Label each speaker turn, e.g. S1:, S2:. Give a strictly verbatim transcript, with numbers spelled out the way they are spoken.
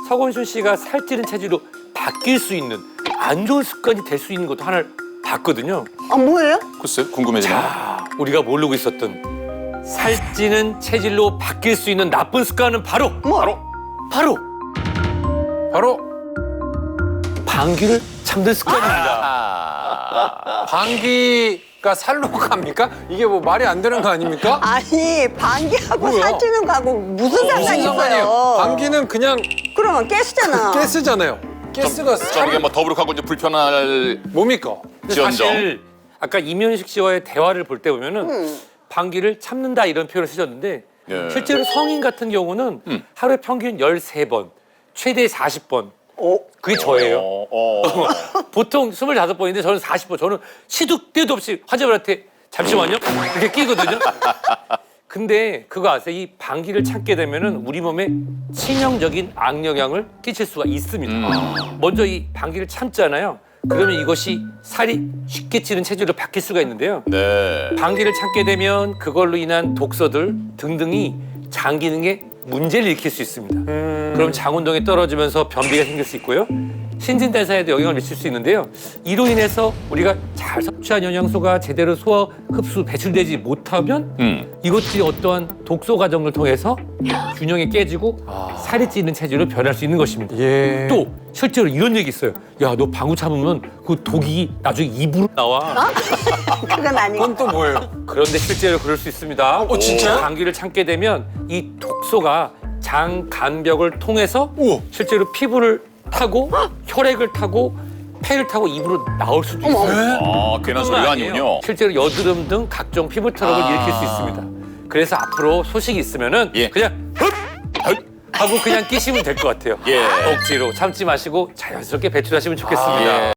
S1: 서건순 씨가 살찌는 체질로 바뀔 수 있는 안 좋은 습관이 될 수 있는 것도 하나를 봤거든요.
S2: 아 뭐예요?
S3: 글쎄 궁금해지네.
S1: 자, 우리가 모르고 있었던 살찌는 체질로 바뀔 수 있는 나쁜 습관은 바로
S2: 뭐?
S3: 바로
S1: 바로
S4: 바로
S1: 방귀를 참는 습관입니다.
S4: 아, 방귀가 살로 갑니까? 이게 뭐 말이 안 되는 거 아닙니까?
S2: 아니 방귀하고
S4: 뭐야?
S2: 살찌는 거하고 무슨
S4: 무슨
S2: 상관이
S4: 상관이에요?
S2: 있어요?
S4: 방귀는 그냥
S2: 그러면 가스잖아.
S4: 가스잖아요. 가스가
S3: 저게
S4: 살
S3: 뭐 더부룩하고 이제 불편할
S4: 뭡니까?
S1: 근데
S3: 지연정.
S1: 사실 아까 이면식 씨와의 대화를 볼 때 보면은
S2: 음.
S1: 방귀를 참는다 이런 표현을 쓰셨는데
S3: 예.
S1: 실제로 성인 같은 경우는
S3: 음.
S1: 하루에 평균 열세 번, 최대 사십 번.
S2: 어?
S1: 그게 저예요.
S3: 어, 어.
S1: 보통 스물다섯 번인데 저는 사십 번. 저는 시도 때도 없이 환자분한테 잠시만요. 이렇게 끼거든요. 근데 그거 아세요? 이 방귀를 참게 되면은 우리 몸에 치명적인 악영향을 끼칠 수가 있습니다.
S3: 음.
S1: 먼저 이 방귀를 참잖아요. 그러면 이것이 살이 쉽게 찌는 체질로 바뀔 수가 있는데요.
S3: 네.
S1: 방귀를 참게 되면 그걸로 인한 독소들 등등이 장 기능에 문제를 일으킬 수 있습니다. 그럼 장 운동이 떨어지면서 변비가 생길 수 있고요. 신진대사에도 영향을 미칠 수 있는데요. 이로 인해서 우리가 잘 섭취한 영양소가 제대로 소화, 흡수, 배출되지 못하면
S3: 음.
S1: 이것들이 어떠한 독소 과정을 통해서 균형이 깨지고 살이 찌는 체질로 변할 수 있는 것입니다.
S4: 예.
S1: 또 실제로 이런 얘기 있어요. 야, 너 방구 참으면 그 독이 나중에 입으로 나와.
S2: 그건 아니고.
S4: 그건 또 뭐예요?
S1: 그런데 실제로 그럴 수 있습니다.
S4: 어, 진짜요?
S1: 감기를 참게 되면 이 독소가 장 간벽을 통해서
S4: 우와.
S1: 실제로 피부를 타고 혈액을 타고 폐를 타고 입으로 나올 수도 있어요.
S3: 아, 괜한 소리가
S1: 아니에요.
S3: 아니군요.
S1: 실제로 여드름 등 각종 피부 트러블을
S3: 아.
S1: 일으킬 수 있습니다. 그래서 앞으로 소식이 있으면은
S3: 예.
S1: 그냥 흡! 흡! 하고 그냥 끼시면 될 것 같아요.
S3: 예.
S1: 억지로 참지 마시고 자연스럽게 배출하시면 좋겠습니다.
S3: 예.